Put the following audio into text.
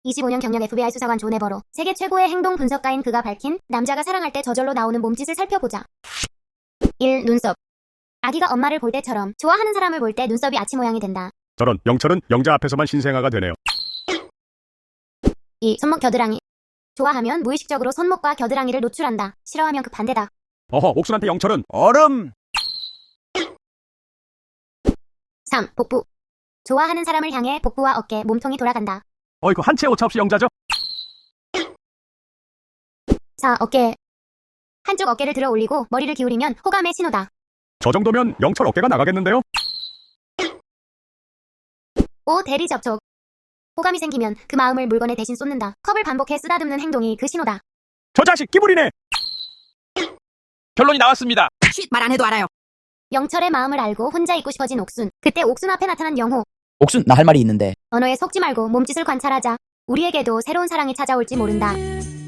25년 경력 FBI 수사관 존 에버로. 세계 최고의 행동 분석가인 그가 밝힌 남자가 사랑할 때 저절로 나오는 몸짓을 살펴보자. 1. 눈썹. 아기가 엄마를 볼 때처럼 좋아하는 사람을 볼 때 눈썹이 아치 모양이 된다. 저런, 영철은 영자 앞에서만 신생아가 되네요. 2. 손목 겨드랑이. 좋아하면 무의식적으로 손목과 겨드랑이를 노출한다. 싫어하면 그 반대다. 어허, 옥순한테 영철은 얼음. 3. 복부. 좋아하는 사람을 향해 복부와 어깨, 몸통이 돌아간다. 어이구, 한 채 오차 없이 영자죠? 4. 어깨. 한쪽 어깨를 들어 올리고 머리를 기울이면 호감의 신호다. 저 정도면 영철 어깨가 나가겠는데요? 5. 대리 접촉. 호감이 생기면 그 마음을 물건에 대신 쏟는다. 컵을 반복해 쓰다듬는 행동이 그 신호다. 저 자식 끼부리네! 결론이 나왔습니다. 쉿, 말 안 해도 알아요. 영철의 마음을 알고 혼자 있고 싶어진 옥순. 그때 옥순 앞에 나타난 영호. 옥순, 나 할 말이 있는데. 언어에 속지 말고 몸짓을 관찰하자. 우리에게도 새로운 사랑이 찾아올지 모른다.